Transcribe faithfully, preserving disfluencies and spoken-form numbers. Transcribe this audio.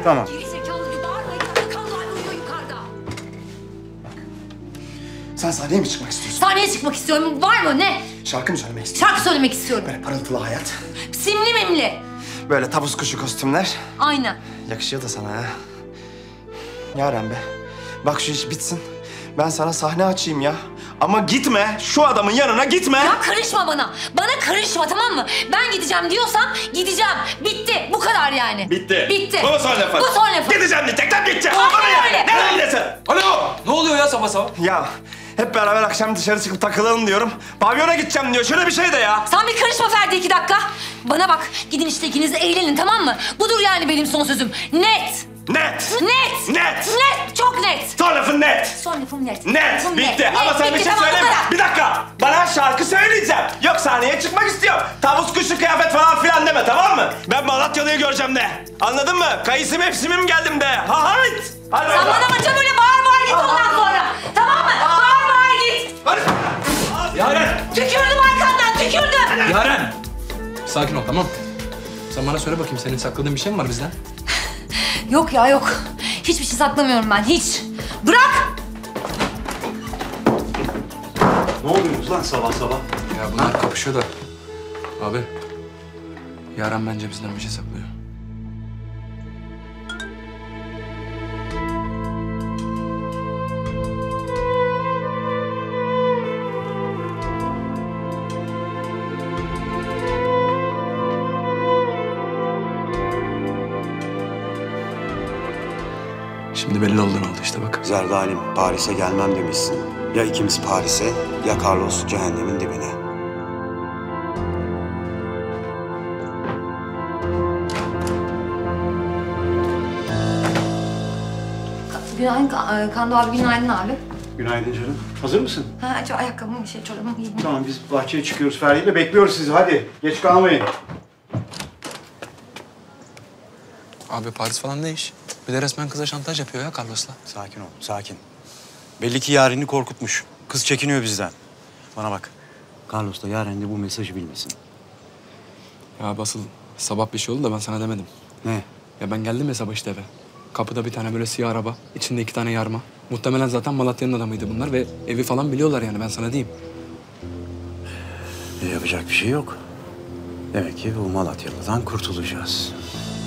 Tamam. Gerizekalı gibi bağırma. Yukarıda Kando abi uyuyor yukarıda. Sen sahneye mi çıkmak istiyorsun? Sahneye çıkmak istiyorum. Var mı ne? Şarkı mı söylemek istiyorsun? Şarkı söylemek istiyorum. Böyle parıltılı hayat. Simli mimli. Böyle tavus kuşu kostümler. Aynen. Yakışıyor da sana ha. Yaren be. Bak şu iş bitsin. Ben sana sahne açayım ya. Ama gitme. Şu adamın yanına gitme. Ya karışma bana. Bana karışma, tamam mı? Ben gideceğim diyorsam gideceğim. Bitti. Bu kadar yani. Bitti. Bitti. Bu son lafın. Bu son lafın. Gideceğim diyecekten gideceğim. Aynen Bana yani. öyle. Ne öylesi? Alo! Ne oluyor ya sabah sabah? Ya hep beraber akşam dışarı çıkıp takılalım diyorum. Pavyona gideceğim diyor. Şöyle bir şey de ya. Sen bir karışma Ferdi iki dakika. Bana bak. Gidin işte ikiniz de eğlenin, tamam mı? Budur yani benim son sözüm. Net. Net. Net. Net. Net. Çok net. Son lafın net. Son lafım net. Net. Lafım Bitti. net. Ama Net, sen bir bitti, şey tamam, bu söyleme. kadar. Bir dakika. Bana şarkı söyleyeceğim. Yok sahneye çıkmak istiyorum. Tavus kuşu kıyafet falan filan deme, tamam mı? Ben Malatyalı'yı göreceğim de. Anladın mı? Kayısı mevsimim geldim de. Ha hayt. Hadi Sen oradan. bana maça böyle bağır bağır git ondan sonra. Tamam mı? Bağır bağır git. Hadi. Yaren! Tükürdüm arkandan, tükürdüm. Yaren! Sakin ol, tamam. Sen bana söyle bakayım, senin sakladığın bir şey mi var bizden? Yok ya yok. Hiçbir şey saklamıyorum ben, hiç. Bırak! Ne oluyorsunuz lan sabah sabah? Ya bunlar kapışıyor da. Abi, Yaren bence bizden bir şey saklıyor. Şimdi belli oldu ne oldu işte bak. Zerdalim, Paris'e gelmem demişsin. Ya ikimiz Paris'e, ya Carlos cehennemin dibine. Günaydın Ka- Kando abi, günaydın abi. Günaydın canım. Hazır mısın? Ha, acaba ayakkabımı, şey, çorabımı giyeyim. Tamam, biz bahçeye çıkıyoruz Ferdi ile. Bekliyoruz sizi. Hadi, geç kalmayın. Abi Paris falan ne iş? Bir de resmen kıza şantaj yapıyor ya Carlos'la. Sakin ol, sakin. Belli ki Yaren'i korkutmuş. Kız çekiniyor bizden. Bana bak. Carlos da Yaren de bu mesajı bilmesin. Ya basıl sabah bir şey oldu da ben sana demedim. Ne? Ya ben geldim ya sabah işte eve. Kapıda bir tane böyle siyah araba, içinde iki tane yarma. Muhtemelen zaten Malatya'nın adamıydı bunlar ve evi falan biliyorlar yani, ben sana diyeyim. E, yapacak bir şey yok. Demek ki bu Malatyalı'dan kurtulacağız.